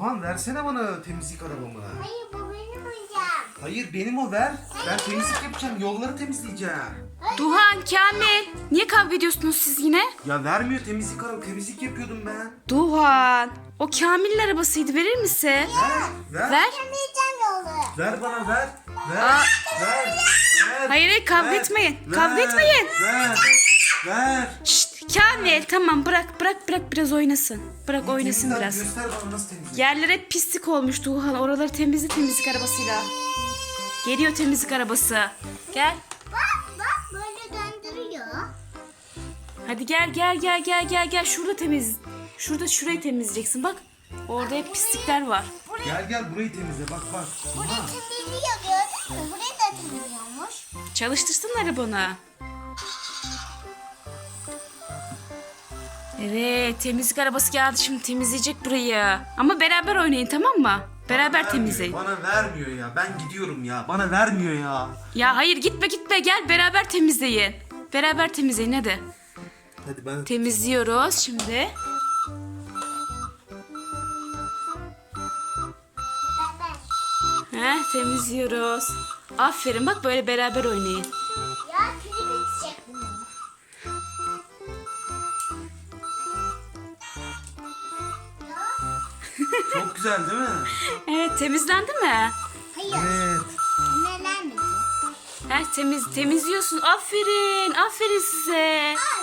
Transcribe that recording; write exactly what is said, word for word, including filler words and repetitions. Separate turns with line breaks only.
Doğan versene bana temizlik arabamı.
Hayır bu benim oyuncağım.
Hayır benim o ver. Ben temizlik yapacağım. Yolları temizleyeceğim.
Duhan, Kamil. Niye kavga ediyorsunuz siz yine?
Ya vermiyor temizlik arabamı. Temizlik yapıyordum ben.
Duhan. O Kamil'in arabasıydı, verir misin?
Ver. Ver.
Ver.
Temizleyeceğim yolu.
Ver bana ver. Ver.
Aa.
Ver. Ver.
Hayır, hayır, kavga
Ver.
etmeyin.
Ver.
Kavga etmeyin.
Ver. Ver.
Şşt, Kamil, tamam, bırak bırak bırak biraz oynasın. Bırak oynasın
Temizle,
biraz.
Göster bana nasıl temizlik.
Yerler hep pislik olmuş Duhan. Oraları temizle temizlik arabasıyla. Geliyor temizlik arabası. Gel.
Bak bak böyle döndürüyor.
Hadi gel gel gel gel gel gel. Şurada temiz. Şurada şurayı temizleyeceksin bak. Orada hep pislikler var.
Gel gel burayı temizle bak bak.
Burayı
Aha.
temizliyor gördün mü? Burayı da temizliyormuş.
Çalıştırsın arabanı. Evet, temizlik arabası geldi, şimdi temizleyecek burayı. Ama beraber oynayın, tamam mı? Beraber
Vermiyor,
temizleyin.
Bana vermiyor ya. Ben gidiyorum ya. Bana vermiyor ya.
Ya hayır, gitme gitme, gel beraber temizleyin. Beraber temizleyin hadi.
Hadi ben
Temizliyoruz şimdi.
Beraber.
Heh, temizliyoruz. Aferin, bak böyle beraber oynayın.
Ya külü bitecek bunun. Ya.
çok güzel değil mi?
Evet, temizlendi mi?
Hayır.
Evet.
Nelenmedi.
Heh, temiz temizliyorsun. Aferin, aferin size.
Aa